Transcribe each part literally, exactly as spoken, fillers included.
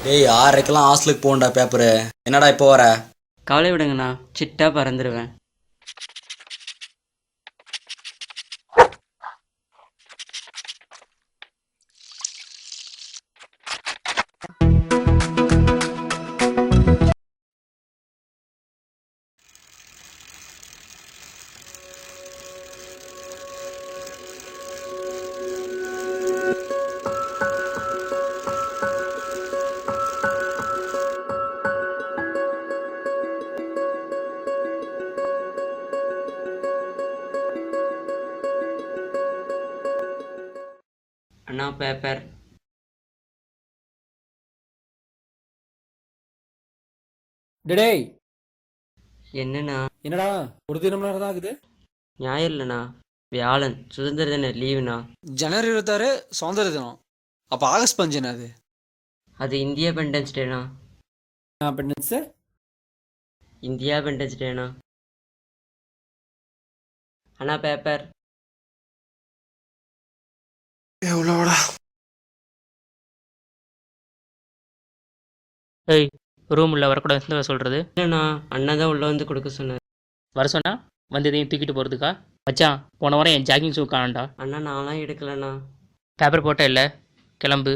டேய் ஆறரைக்கெல்லாம் ஹாஸ்டலுக்கு போகணும்டா பேப்பரு. என்னடா இப்போ வர? கவலை விடுங்கண்ணா, சிட்டா பறந்துடுவேன். அண்ணா பேப்பர். டேய் என்னண்ணா? என்னடா ஒரு தினம் நேரம் தான் ஆகுது. ஞாயிறு இல்லைண்ணா, வியாழன் சுதந்திர தின லீவுண்ணா. ஜனவரி இருபத்தாறு சுதந்திர தினம். அப்போ ஆகஸ்ட் பஞ்சு என்னது? அது இந்தியா பெண்டன்ஸ் டேண்ணா. பெண்டன்ஸு இந்தியா பெண்டன்ஸ் டேண்ணா. அண்ணா பேப்பர். எவ்வளோடா? ஏய், ரூம் உள்ள வரக்கூடாதுன்னு சொல்கிறது. இல்லைண்ணா, அண்ணா தான் உள்ளே வந்து கொடுக்க சொன்னார். வர சொன்னா வந்து எதையும் தூக்கிட்டு போகிறதுக்கா? மச்சான், போன வாரம் என் ஜாகிங் ஷூ காணாண்டா. அண்ணா நான்லாம் எடுக்கலண்ணா. பேப்பர் போட்ட இல்லை, கிளம்பு.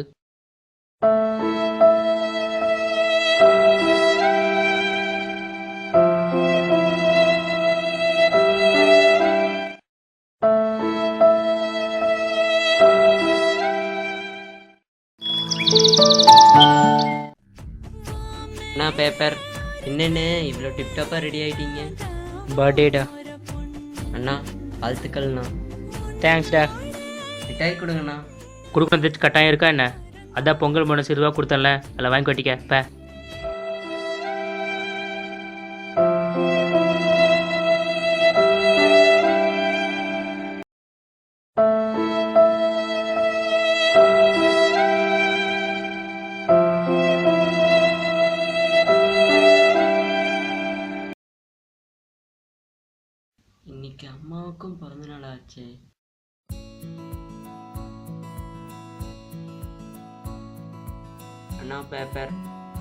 அண்ணா பேப்பர். என்னென்ன இவ்வளோ டிப்டாப்பாக ரெடி ஆகிட்டீங்க? பர்த்டேடா. அண்ணா வாழ்த்துக்கள்ண்ணா. தேங்க்ஸ்டா. மிட்டாய் கொடுங்கண்ணா. கொடுக்குறது கட்டாயம் இருக்கா என்ன? அதான் பொங்கல் போனஸ் இருபா கொடுத்தேன்ல, அதில் வாங்கி கட்டிக்க பே. இன்னைக்கு அம்மாவுக்கும் பிறந்த நாள் ஆச்சு. அண்ணா பேப்பர்.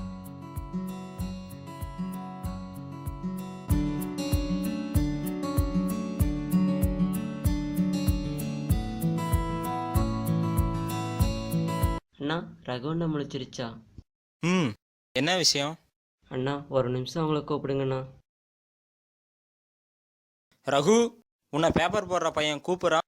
அண்ணா ரகுவண்ணா முழிச்சிருச்சா? ம் என்ன விஷயம்? அண்ணா ஒரு நிமிஷம் அவங்கள கூப்பிடுங்கண்ணா. ரகு, உன்னை பேப்பர் போடுற பையன் கூப்பிட்றான்.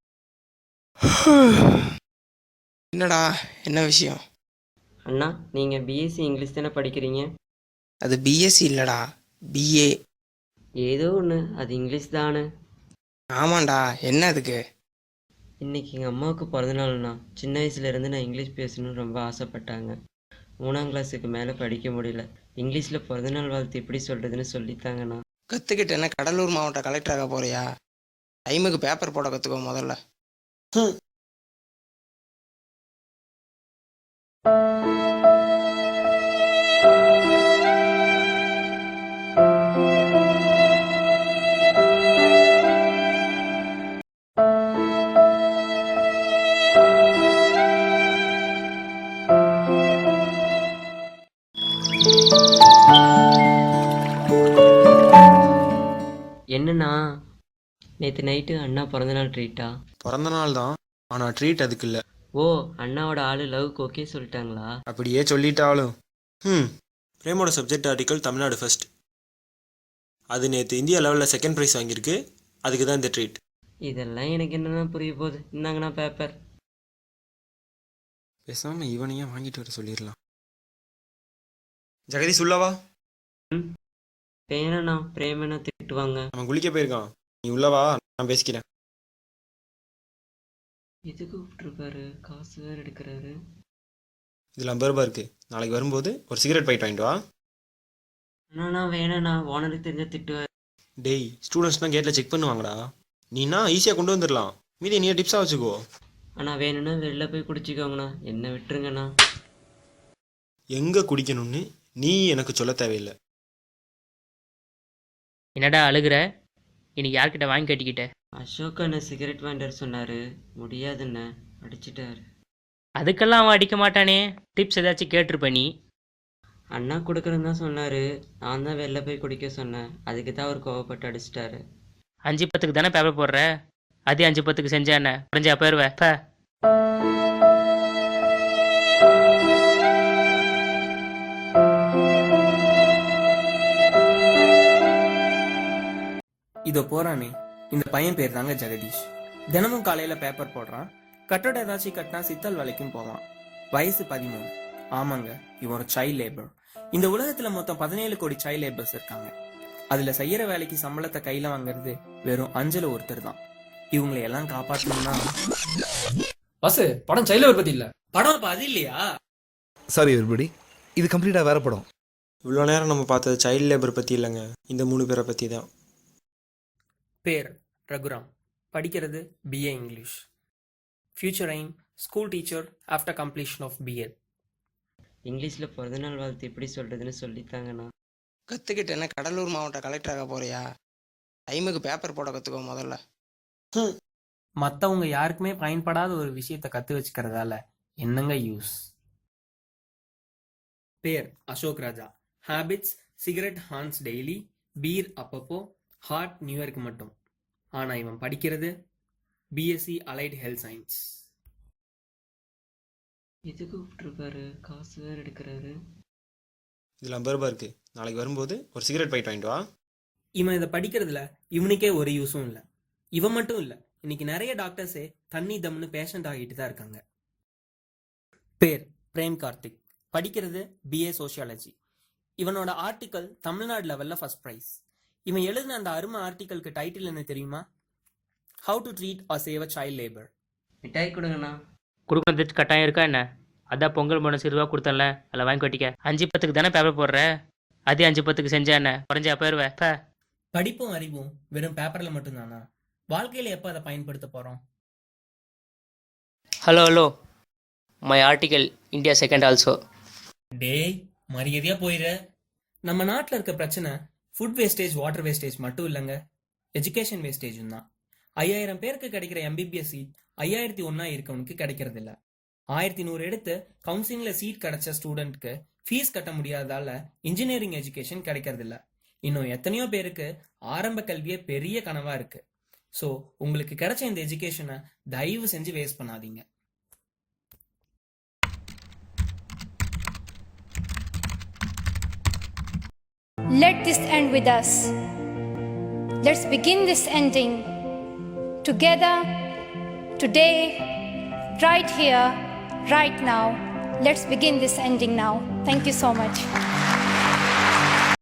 என்னடா என்ன விஷயம்? அண்ணா நீங்கள் பிஎஸ்சி இங்கிலீஷ் தானே படிக்கிறீங்க? அது பிஎஸ்சி இல்லைடா, பிஏ. ஏதோ ஒன்று, அது இங்கிலீஷ் தானே. ஆமாண்டா, என்ன அதுக்கு? இன்னைக்கு எங்கள் அம்மாவுக்கு பிறந்தநாள்ண்ணா. சின்ன வயசுலேருந்து நான் இங்கிலீஷ் பேசணும்னு ரொம்ப ஆசைப்பட்டாங்க. மூணாம் கிளாஸுக்கு மேலே படிக்க முடியல. இங்கிலீஷில் பிறந்தநாள் வாழ்த்து எப்படி சொல்கிறதுன்னு சொல்லித்தாங்கண்ணா. கற்றுக்கிட்டு என்ன கடலூர் மாவட்ட கலெக்டராக போறியா? டைமுக்கு பேப்பர் போட கற்றுக்கோ முதல்ல. என்னண்ணா நேற்று நைட்டு அண்ணா பிறந்தநாள் ட்ரீட்டா? பிறந்த நாள் தான், ஆனால் ட்ரீட் அதுக்கு இல்லை. ஓ, அண்ணாவோட ஆளு லவ்க்கு ஓகே சொல்லிட்டாங்களா? அப்படியே சொல்லிட்டாலும். ம் பிரேமோட சப்ஜெக்ட் ஆர்டிக்கல் தமிழ்நாடு ஃபர்ஸ்ட். அது நேற்று இந்தியா லெவலில் செகண்ட் ப்ரைஸ் வாங்கியிருக்கு. அதுக்கு தான் இந்த ட்ரீட். இதெல்லாம் எனக்கு என்னன்னா புரிய போகுது. இந்தாங்கண்ணா பேப்பர். பேசாமல் இவனையே வாங்கிட்டு வர சொல்லிடலாம். ஜெகதீஷ் உள்ளவா? ம் பேனண்ணா பிரேமண்ணா திட்டுவாங்க. அவன் குளிக்க போயிருக்கான், நீ உள்ளவா, நான் பேசிக்கிறேன். எதுக்கு கூப்பிட்டுருக்காரு? காசு வேறு எடுக்கிறாரு. இதில் ஐம்பது ரூபா இருக்குது. நாளைக்கு வரும்போது ஒரு சிகரெட் பாக்கெட் வாங்கிட்டு வா. அண்ணா வேணாண்ணா, ஓனருக்கு தெரிஞ்ச திட்டுவார். டேய், ஸ்டூடெண்ட்ஸ் தான் கேட்டில் செக் பண்ணுவாங்கடா. நீனா ஈஸியாக கொண்டு வந்துடலாம். மீதி நீ டிப்ஸாக வச்சுக்கோ. அண்ணா வேணும்னா வெளில போய் குடிச்சிக்கோங்கண்ணா, என்ன விட்டுருங்கண்ணா. எங்கே குடிக்கணும்னு நீ எனக்கு சொல்ல தேவையில்லை. என்னடா அழுகிற? இன்னைக்கு யார்கிட்ட வாங்கி கட்டிக்கிட்ட? அசோக் அண்ணன் சிகரெட் வாண்டர் சொன்னார், முடியாதுண்ணே, அடிச்சிட்டாரு. அதுக்கெல்லாம் அவன் அடிக்க மாட்டானே. டிப்ஸ் ஏதாச்சும் கேட்டிருப்ப நீ. அண்ணா கொடுக்குறேன்னு தான் சொன்னார். நான் தான் வெளில போய் குடிக்க சொன்னேன். அதுக்கு தான் அவர் கோவப்பட்டு அடிச்சிட்டாரு. அஞ்சு பத்துக்கு தானே பேப்பர் போடுற, அதே அஞ்சு பத்துக்கு செஞ்சா என்ன குறைஞ்சா போயிடுவேன். ப இதோ போறானே இந்த பையன் பேர் தாங்க ஜெகதீஷ். தினமும் காலையில பேப்பர் போடுறான். கட்டட ஏதாச்சும் கட்டினா சித்தல் வேலைக்கும் போவான். வயசு பதிமூணு. ஆமாங்க, இவன் ஒரு சைல்ட் லேபர். இந்த உலகத்துல மொத்தம் பதினேழு கோடி சைல்ட் லேபர்ஸ் இருக்காங்க. அதுல செய்யற வேலைக்கு சம்பளத்தை கையில வாங்குறது வெறும் அஞ்சல ஒருத்தர் தான். இவங்களை எல்லாம் காப்பாற்றணும்னா பஸ் படம் சைல்டு பத்தி இல்ல. படம் அப்ப அது இல்லையா? சாரி எவ்ரிபடி, இது கம்ப்ளீட்டாக வேற படம். இவ்வளோ நேரம் நம்ம பார்த்தது சைல்ட் லேபர் பற்றி இல்லைங்க, இந்த மூணு பேரை பற்றி தான். பேர் ரகுராம். படிக்கிறது BA English. Future aim school teacher after completion of BEd. இங்கிலீஷில் பிறந்தநாள் வாழ்த்து எப்படி சொல்கிறதுன்னு சொல்லித்தாங்கண்ணா. கற்றுக்கிட்டேன்னா கடலூர் மாவட்ட கலெக்டர் ஆக போறியா? டைமுக்கு பேப்பர் போட கற்றுக்கோ முதல்ல. மற்றவங்க யாருக்குமே பயன்படாத ஒரு விஷயத்த கற்று வச்சுக்கிறதால என்னங்க யூஸ்? பேர் Ashok Raja. Habits cigarette Hans daily, beer அப்பப்போ, ஹார்ட் நியூ இயர்க்கு மட்டும். ஆனால் இவன் படிக்கிறது பிஎஸ்சி அலைட் ஹெல்த் சயின்ஸ். எதுக்கு விட்டுருக்காரு? காசு வேறு எடுக்கிறாரு. இதில் ஐம்பது ரூபா இருக்குது, நாளைக்கு வரும்போது ஒரு சிகரெட் பாக்கெட் வாங்கிட்டு வா. இவன் இதை படிக்கிறதுல இவனுக்கே ஒரு யூஸும் இல்லை. இவன் மட்டும் இல்லை, இன்னைக்கு நிறைய டாக்டர்ஸே தண்ணி தம்னு பேஷண்ட் ஆகிட்டு தான் இருக்காங்க. பேர் பிரேம் கார்த்திக். படிக்கிறது பிஏ சோஷியாலஜி. இவனோட ஆர்டிக்கல் தமிழ்நாடு லெவலில் ஃபர்ஸ்ட் ப்ரைஸ். இவன் எழுதின அந்த அருமை ஆர்டிக்கலுக்கு டைட்டில் என்ன தெரியுமா? How to treat or save a child labour. மிட்டாய் கொடுங்கண்ணா. கொடுக்கறது கட்டாயம் இருக்கா என்ன? அதான் பொங்கல் போனஸ் இருபா கொடுத்தேன்ல, அதில் வாங்கி கட்டிக்க. அஞ்சு பத்துக்கு தானே பேப்பர் போடுற, அதே அஞ்சு பத்துக்கு செஞ்சா என்ன குறைஞ்சா போயிடுவேன். ப படிப்பும் அறிவும் வெறும் பேப்பரில் மட்டும்தானா? வாழ்க்கையில் எப்போ அதை பயன்படுத்த போகிறோம்? Hello hello my article India second also. டேய் மரியாதையாக போயிட. நம்ம நாட்டில் இருக்க பிரச்சனை ஃபுட் வேஸ்டேஜ், வாட்டர் வேஸ்டேஜ் மட்டும் இல்லைங்க, எஜுகேஷன் வேஸ்டேஜும் தான். ஐயாயிரம் பேருக்கு கிடைக்கிற எம்பிபிஎஸ் சீட் ஐயாயிரத்தி ஒன்றா இருக்கவனுக்கு கிடைக்கிறது இல்லை. ஆயிரத்தி நூறு எடுத்து கவுன்சிலிங்கில் சீட் கிடைச்ச ஸ்டூடெண்ட்க்கு ஃபீஸ் கட்ட முடியாதால இன்ஜினியரிங் எஜுகேஷன் கிடைக்கிறது இல்லை. இன்னும் எத்தனையோ பேருக்கு ஆரம்ப கல்வியே பெரிய கனவாக இருக்குது. ஸோ உங்களுக்கு கிடைச்ச இந்த எஜுகேஷனை தயவு செஞ்சு வேஸ்ட் பண்ணாதீங்க. Let this end with us. Let's begin this ending together, today, right here, right now. Let's begin this ending now. Thank you so much.